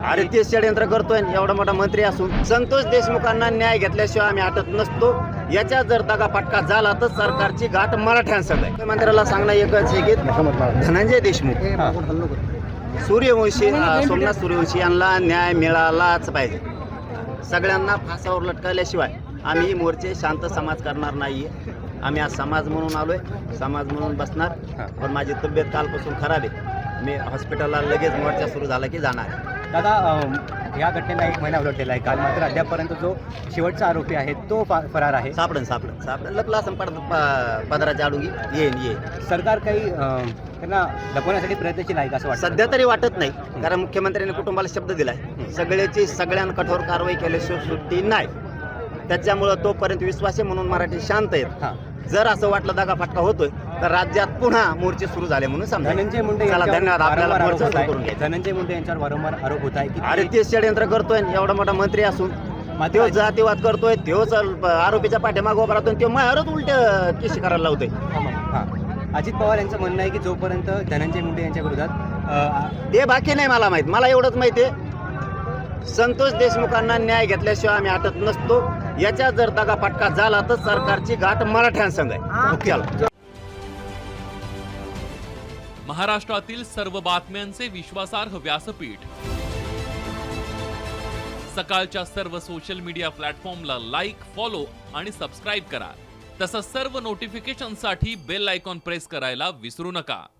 अरे ते षडयंत्र करतोय एवढा मोठा मंत्री असून संतोष देशमुखांना न्याय घेतल्याशिवाय आम्ही हटत नसतो. याच्या जर दगा फटका झाला तर सरकारची गाठ मराठ्यांसंग आहे. मंत्र्याला सांगणं एकच आहे की धनंजय देशमुख सूर्यवंशी सोमनाथ सूर्यवंशी यांना न्याय मिळालाच पाहिजे. सगळ्यांना फासावर लटकवल्याशिवाय आम्ही मोर्चे शांत समाज करणार नाहीये. आम्ही आज समाज म्हणून आलोय, समाज म्हणून बसणार. पण माझी तब्येत कालपासून खराब आहे. मी हॉस्पिटलला लगेच मोर्चा सुरू झाला की जाणार. दादा, या घटनेला 1 महिना उलटलेला आहे. काल मात्र अद्यापपर्यंत जो शेवटचा आरोपी आहे तो फरार आहे. सापडन लपला असं पदराच्या आडून येईन. सरकार काही त्यांना लपवण्यासाठी प्रयत्नशील आहे का असं वाटतं? सध्या तरी वाटत नाही, कारण मुख्यमंत्र्यांनी कुटुंबाला शब्द दिलाय सगळ्यांना कठोर कारवाई केल्याशिवाय सुट्टी नाही. त्याच्यामुळं तोपर्यंत विश्वास आहे म्हणून मराठी शांत आहेत. जर असं वाटलं दगा फटका होतोय तर राज्यात पुन्हा मोर्चे सुरू झाले म्हणून समजा. धनंजय मुंडे धन्यवाद. आपल्याला मोर्चा सुरू करून घ्यायचा. धनंजय मुंडे यांच्यावर वारंवार आरोप होत आहे की अरे ते षडयंत्र करतोय एवढा मोठा मंत्री असून तो जातीवाद करतोय, तोच आरोपीच्या पाठीमागं उभा राहतोय, तो मायावरच उलट केशी करायला लावतोय. अजित पवार यांचं म्हणणं आहे की जोपर्यंत धनंजय मुंडे यांच्या विरोधात ते बाकी नाही मला माहित. मला एवढंच माहिती आहे संतोष देशमुखांना न्याय घेतल्याशिवाय आम्ही हटत नसतो. याच्या जर दगा फटका झाला तर सरकारची गाठ मराठ्यांसंग आहे. महाराष्ट्रातील सर्व बातम्यांचे विश्वासार्ह व्यासपीठ सकाळच्या सर्व सोशल मीडिया प्लॅटफॉर्मला लाईक, फॉलो आणि सबस्क्राईब करा. तसंच सर्व नोटिफिकेशनसाठी बेल आयकॉन प्रेस करायला विसरू नका.